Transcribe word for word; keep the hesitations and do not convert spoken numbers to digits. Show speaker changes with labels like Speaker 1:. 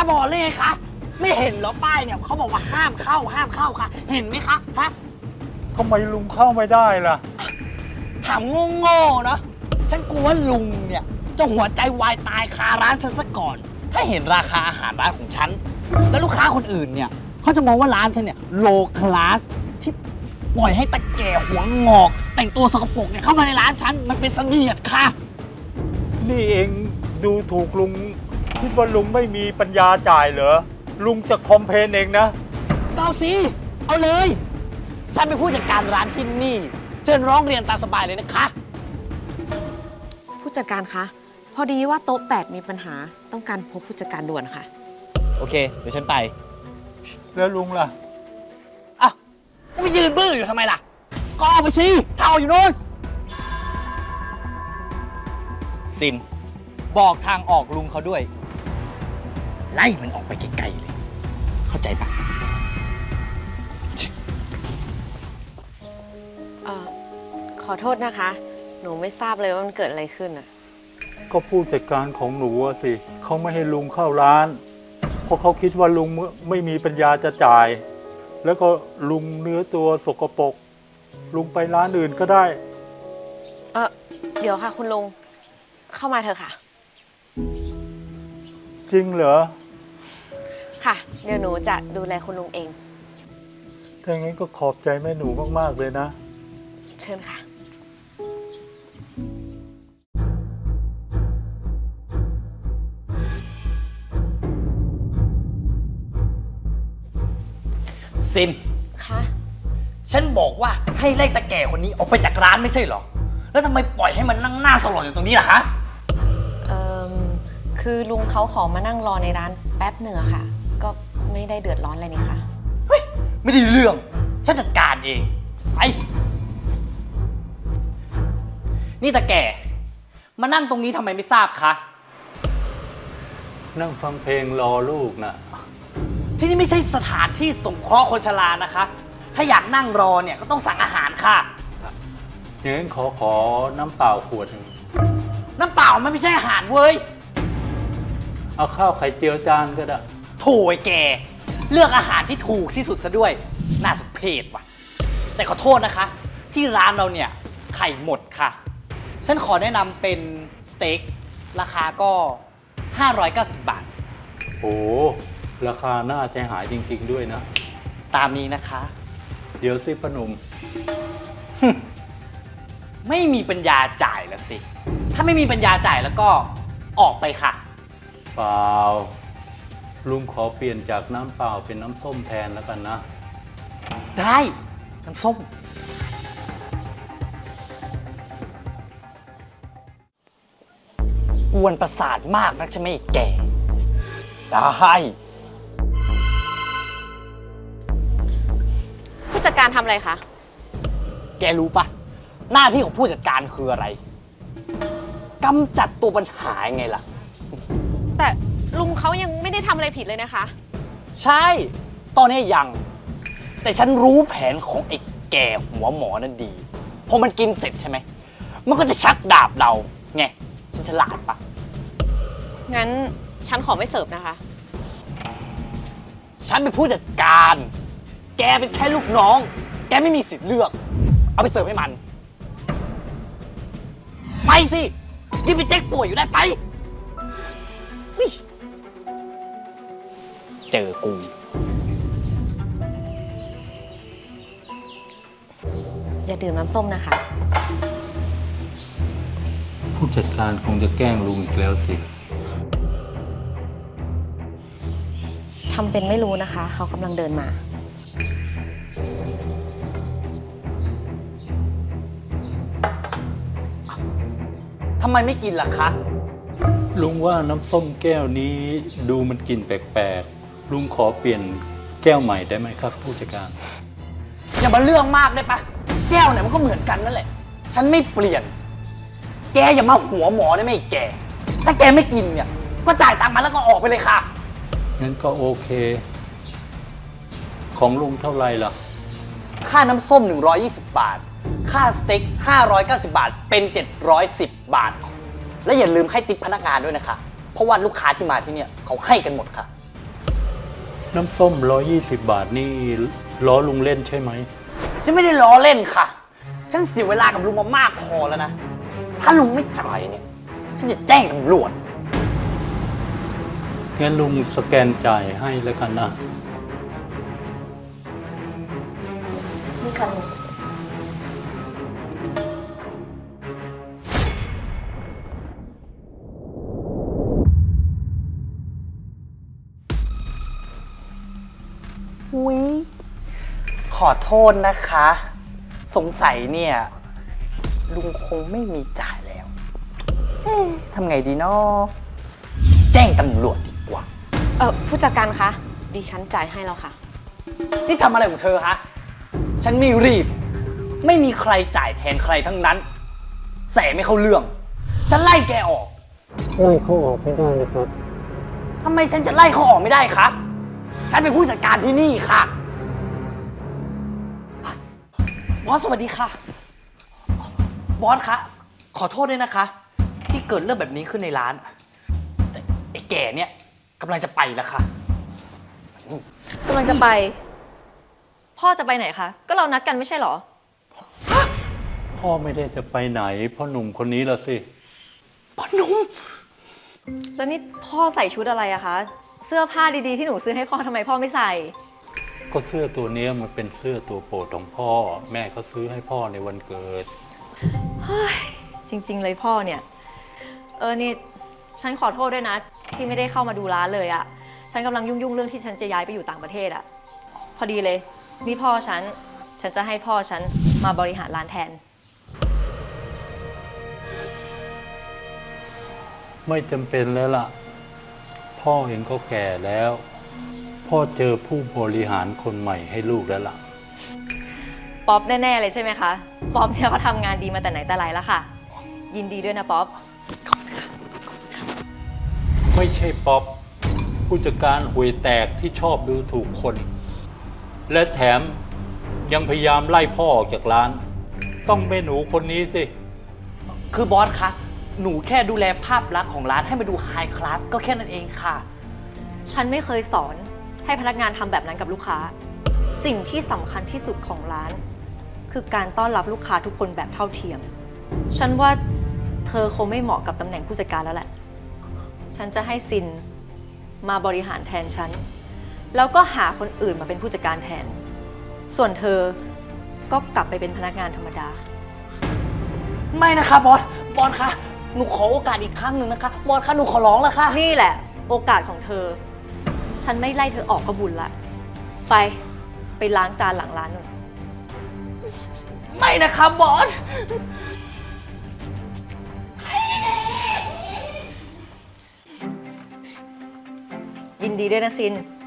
Speaker 1: บอดเลยไงคะไม่เห็นเหรอป้ายเนี่ยเขาบอกว่าห้ามเข้าห้ามเข้าค่ะเห็นไหมคะฮะ
Speaker 2: ทำไมลุงเข้าไม่ได้ล่ะ
Speaker 1: ถามโง่ๆเนาะฉันกลัวว่าลุงเนี่ยจะหัวใจวายตายคาร้านฉันซะก่อนถ้าเห็นราคาอาหารร้านของฉันแล้วลูกค้าคนอื่นเนี่ยเขาจะมองว่าร้านฉันเนี่ยโลคลาสที่ปล่อยให้ตะแก่หัวงอกแต่งตัวสกปรกเนี่ยเข้ามาในร้านฉันมันเป็นเสนียดค่ะ
Speaker 2: นี่เองดูถูกลุงคิดว่าลุงไม่มีปัญญาจ่ายเหรอลุงจะคอมเพลนเองนะ
Speaker 1: ก็เอาสิเอาเลยฉันเป็นผู้จัดการร้านที่นี่เชิญร้องเรียนตามสบายเลยนะคะ
Speaker 3: ผู้จัดการคะพอดีว่าโต๊ะแปดมีปัญหาต้องการพบผู้จัดการด่วนค่ะ
Speaker 1: โอเคเดี๋ยวฉันไป
Speaker 2: แล้วลุงล่ะ
Speaker 1: อ่ะก็ไปยืนบื้ออยู่ทำไมล่ะก็เอาไปสิเท่าอยู่นู้นซินบอกทางออกลุงเขาด้วยไล่มันออกไปไกลๆเลยเข้าใจปะ
Speaker 3: เอ่อขอโทษนะคะ หนูไม่ทราบเลยว่ามันเกิดอะไรขึ้นอ่ะ
Speaker 2: ก็ผู้จัดการของหนูสิเขาไม่ให้ลุงเข้าร้านเพราะเขาคิดว่าลุงไม่มีปัญญาจะจ่ายแล้วก็ลุงเนื้อตัวสกปรกลุงไปร้านอื่นก็ได้
Speaker 3: เออเดี๋ยวค่ะคุณลุงเข้ามาเถอะค่ะ
Speaker 2: จริงเหรอ
Speaker 3: ค่ะเดี๋ยวหนูจะดูแลคุณลุงเอง
Speaker 2: ถ้างั้นก็ขอบใจแม่หนูมากๆเลยนะ
Speaker 3: เชิญค่ะ
Speaker 1: ซิน
Speaker 3: คะ
Speaker 1: ฉันบอกว่าให้ไล่ตาแก่คนนี้ออกไปจากร้านไม่ใช่หรอแล้วทำไมปล่อยให้มันนั่งหน้าสลดอยู่ตรงนี้ล่ะคะ
Speaker 3: เอ่อคือลุงเขาขอมานั่งรอในร้านแป๊บหนึ่งอะค่ะก็ไม่ได้เดือดร้อนอะไรนี่ค่ะ
Speaker 1: เฮ้ยไม่ได้เรื่องฉันจัดการเองไปนี่ตาแก่มานั่งตรงนี้ทำไมไม่ทราบคะ
Speaker 2: นั่งฟังเพลงรอลูกนะ
Speaker 1: ที่นี่ไม่ใช่สถานที่สงเคราะห์คนชรานะคะถ้าอยากนั่งรอเนี่ยก็ต้องสั่งอาหารค่ะ
Speaker 2: อย่างนั้นขอขอน้ำเปล่าขวดหนึ่ง
Speaker 1: น้ำเปล่ามันไม่ใช่อาหารเว้ย
Speaker 2: เอาข้าวไข่เจียวจานก็ได้
Speaker 1: โถ่ไอ้แกเลือกอาหารที่ถูกที่สุดซะด้วยน่าสมเพชว่ะแต่ขอโทษนะคะที่ร้านเราเนี่ยไข่หมดค่ะฉันขอแนะนำเป็นสเต็กราคาก็ห้าร้อยเก้าสิบบาท
Speaker 2: โอ้ราคาน่าใจหายจริงๆด้วยนะ
Speaker 1: ตามนี้นะคะ
Speaker 2: เดี๋ยวสิพนม
Speaker 1: ไม่มีปัญญาจ่ายละสิถ้าไม่มีปัญญาจ่ายแล้วก็ออกไปค่ะ
Speaker 2: เปล่าลุงขอเปลี่ยนจากน้ำเปล่าเป็นน้ำส้มแทนแล้วกันนะ
Speaker 1: ได้น้ำส้มกวนประสาทมากนักใช่ไหมแกได้
Speaker 3: ผู้จัดการทำอะไรคะ
Speaker 1: แกรู้ปะหน้าที่ของผู้จัดการคืออะไรกำจัดตัวปัญหาไงล่ะ
Speaker 3: แต่ลุงเขายังไม่ได้ทำอะไรผิดเลยนะคะ
Speaker 1: ใช่ตอนนี้ยังแต่ฉันรู้แผนของไอ้แก่หัวหมอนั่นดีพอมันกินเสร็จใช่ไหมมันก็จะชักดาบเราไงฉันฉลาดปะ
Speaker 3: งั้นฉันขอไม่เสิร์ฟนะคะ
Speaker 1: ฉันเป็นผู้จัดการแกเป็นแค่ลูกน้องแกไม่มีสิทธิ์เลือกเอาไปเสิร์ฟให้มันไปสิที่ไปเจ๊กป่วยอยู่ได้ไปเจอกู
Speaker 3: อย่าดื่มน้ำส้มนะคะ
Speaker 2: ผู้จัดการคงจะแกล้งลุงอีกแล้วสิ
Speaker 3: ทำเป็นไม่รู้นะคะเขากำลังเดินมา
Speaker 1: ทำไมไม่กินล่ะคะ
Speaker 2: ลุงว่าน้ำส้มแก้วนี้ดูมันกลิ่นแปลกๆลุงขอเปลี่ยนแก้วใหม่ได้ไหมครับผู้จัดการ
Speaker 1: อย่ามาเรื่องมากได้ปะแก้วไหนมันก็เหมือนกันนั่นแหละฉันไม่เปลี่ยนแกอย่ามาหัวหมอได้ไหมแกถ้าแกไม่กินเนี่ยก็จ่ายตังค์มาแล้วก็ออกไปเลยค่ะ
Speaker 2: งั้นก็โอเคของลุงเท่าไหร่ล่ะ
Speaker 1: ค่าน้ำส้มหนึ่งร้อยยี่สิบบาทค่าสเต็กห้าร้อยเก้าสิบบาทเป็นเจ็ดร้อยสิบบาทและอย่าลืมให้ติ๊ปพนักงานด้วยนะคะเพราะว่าลูกค้าที่มาที่เนี่ยเขาให้กันหมดค่ะ
Speaker 2: น้ำส้มร้อยยี่สิบบาทนี่ล้อลุงเล่นใช่ไหม
Speaker 1: ฉันไม่ได้ล้อเล่นค่ะ ฉันเสียเวลากับลุงมามากพอแล้วนะ ถ้าลุงไม่จ่ายเนี่ย ฉันจะแจ้งตำรวจ
Speaker 2: งั้นลุงสแกนจ่ายให้แล้วกันนะ
Speaker 3: นี่ค่ะลุง
Speaker 1: อุ๊ยขอโทษนะคะ สงสัยเนี่ย ลุงคงไม่มีจ่ายแล้ว เอ๊ะทำไงดีเนาะแจ้งตำรวจดีกว่า
Speaker 3: เออผู้จัดการคะ ดิฉันจ่ายให้แล้วค่ะ
Speaker 1: นี่ทำอะไรของเธอคะ ฉันไม่รีบ ไม่มีใครจ่ายแทนใครทั้งนั้น แสไม่เข้าเรื่อง ฉันไล่แกออก
Speaker 2: ไล่เขาออกไม่ได้เลยครับ
Speaker 1: ทำไมฉันจะไล่เขาออกไม่ได้คะฉันเป็นผู้จัดการที่นี่ค่ะ บอสสวัสดีค่ะ บอสคะ ขอโทษด้วยนะคะ ที่เกิดเรื่องแบบนี้ขึ้นในร้านแต่ไอ้แก่เนี่ยกำลังจะไปแล้วค่ะ
Speaker 4: กำลังจะไป พ่อจะไปไหนคะ ก็เรานัดกันไม่ใช่เหรอ
Speaker 2: พ่อไม่ได้จะไปไหนพ่อหนุ่มคนนี้ละสิ
Speaker 1: พ่อหนุ่ม
Speaker 4: แล้วนี่พ่อใส่ชุดอะไรอะคะ เสื้อผ้าดีๆที่หนูซื้อให้พ่อทำไมพ่อไม่ใส่
Speaker 2: ก็เสื้อตัวเนี้ยมันเป็นเสื้อตัวโปรดของพ่อ แม่เขาซื้อให้พ่อในวันเกิด
Speaker 4: จริง ๆ เลยพ่อเนี่ย เออนี่ฉันขอโทษด้วยนะ ที่ไม่ได้เข้ามาดูร้านเลยอะฉันกำลังยุ่งๆเรื่องที่ฉันจะย้ายไปอยู่ต่างประเทศอะพอดีเลย นี่พ่อฉัน ฉันจะให้พ่อฉันมาบริหารร้านแทน
Speaker 2: ไม่จำเป็นแล้วล่ะ พ่อเองก็แก่แล้ว พ่อเจอผู้บริหารคนใหม่ให้ลูกแล้วล่ะ
Speaker 4: ป๊อปแน่ๆเลยใช่ไหมคะ ป๊อปเนี่ยเขาทำงานดีมาแต่ไหนแต่ไรแล้วค่ะ ยินดีด้วยนะป๊อป
Speaker 2: ไม่ใช่ป๊อปผู้จัดการห่วยแตกที่ชอบดูถูกคน และแถมยังพยายามไล่พ่อออกจากร้าน ต้องแม่หนูคนนี้สิ
Speaker 1: คือบอสคะ หนูแค่ดูแลภาพลักษณ์ของร้านให้มาดูไฮคลาสก็แค่นั้นเองค่ะ
Speaker 4: ฉันไม่เคยสอนให้พนักงานทำแบบนั้นกับลูกค้า สิ่งที่สำคัญที่สุดของร้าน คือการต้อนรับลูกค้าทุกคนแบบเท่าเทียม ฉันว่าเธอคงไม่เหมาะกับตำแหน่งผู้จัดการแล้วแหละ ฉันจะให้ซินมาบริหารแทนฉัน แล้วก็หาคนอื่นมาเป็นผู้จัดการแทน ส่วนเธอก็กลับไปเป็นพนักงานธรรมดา
Speaker 1: ไม่นะคะบอส บอสคะ หนูขอโอกาสอีกครั้งหนึ่งนะคะ บอสคะ หนูขอร้องแล้วค่ะ
Speaker 4: นี่แหละโอกาสของเธอ ฉันไม่ไล่เธอออกก็บุญละ ไป ไปล้างจานหลังร้านหนู
Speaker 1: ไม่นะคะบอส
Speaker 4: ยินดีด้วยนะซิน